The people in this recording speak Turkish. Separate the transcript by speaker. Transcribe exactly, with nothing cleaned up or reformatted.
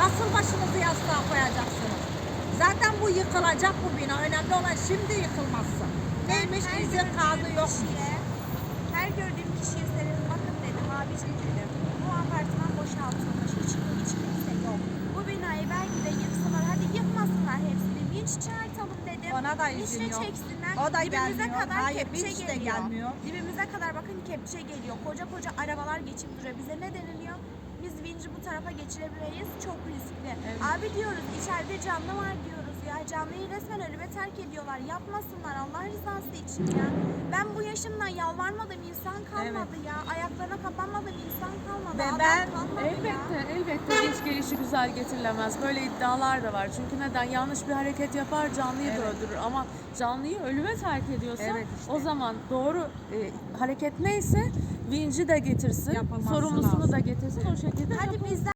Speaker 1: Nasıl başınızı yastığa koyacaksınız? Zaten bu yıkılacak bu bina. Önemli olan şimdi yıkılması. Neymiş?
Speaker 2: Her
Speaker 1: İzin
Speaker 2: gördüğüm
Speaker 1: kağıdı yok.
Speaker 2: kişiye, her gördüğüm kişiye senin bakın dedim, abicim dedim. Bu apartman boşaltılmış, hiç, hiç kimse yok. Bu binayı belki de yıksınlar, hadi yıkmasınlar hepsini. Vinç çağırtalım dedim.
Speaker 1: Ona da izin
Speaker 2: Vinçle
Speaker 1: yok.
Speaker 2: çeksinler.
Speaker 1: O da
Speaker 2: Dibimize
Speaker 1: gelmiyor.
Speaker 2: kadar
Speaker 1: Hayır,
Speaker 2: kepçe
Speaker 1: vinç de
Speaker 2: geliyor.
Speaker 1: gelmiyor.
Speaker 2: Dibimize kadar bakın kepçe geliyor. Koca koca arabalar geçip duruyor. Bize ne deniliyor? Biz vinci bu tarafa geçirebiliriz. Çok riskli.
Speaker 1: Evet.
Speaker 2: Abi diyoruz içeride canlı var diyoruz ya. Canlıyı resmen ölüme terk ediyorlar. Yapmasınlar Allah rızası için ya. Ben bu yaşımdan yalvarmadığım insan kalmadı ya. Ayaklarına kapanmadığım insan kalmadı.
Speaker 1: Ve
Speaker 2: Adam
Speaker 1: ben-
Speaker 2: kalmadı
Speaker 3: Elbette,
Speaker 2: ya.
Speaker 3: elbette vinç gelişi güzel getirilemez. Böyle iddialar da var. Çünkü neden? Yanlış bir hareket yapar, canlıyı da
Speaker 1: Evet.
Speaker 3: öldürür. Ama canlıyı ölüme terk ediyorsa
Speaker 1: Evet işte.
Speaker 3: o zaman doğru e, hareket neyse vinci de getirsin,
Speaker 1: Yapılması
Speaker 3: sorumlusunu
Speaker 1: lazım.
Speaker 3: da getirsin. O şekilde
Speaker 2: Hadi
Speaker 3: yapılsın.
Speaker 2: bizden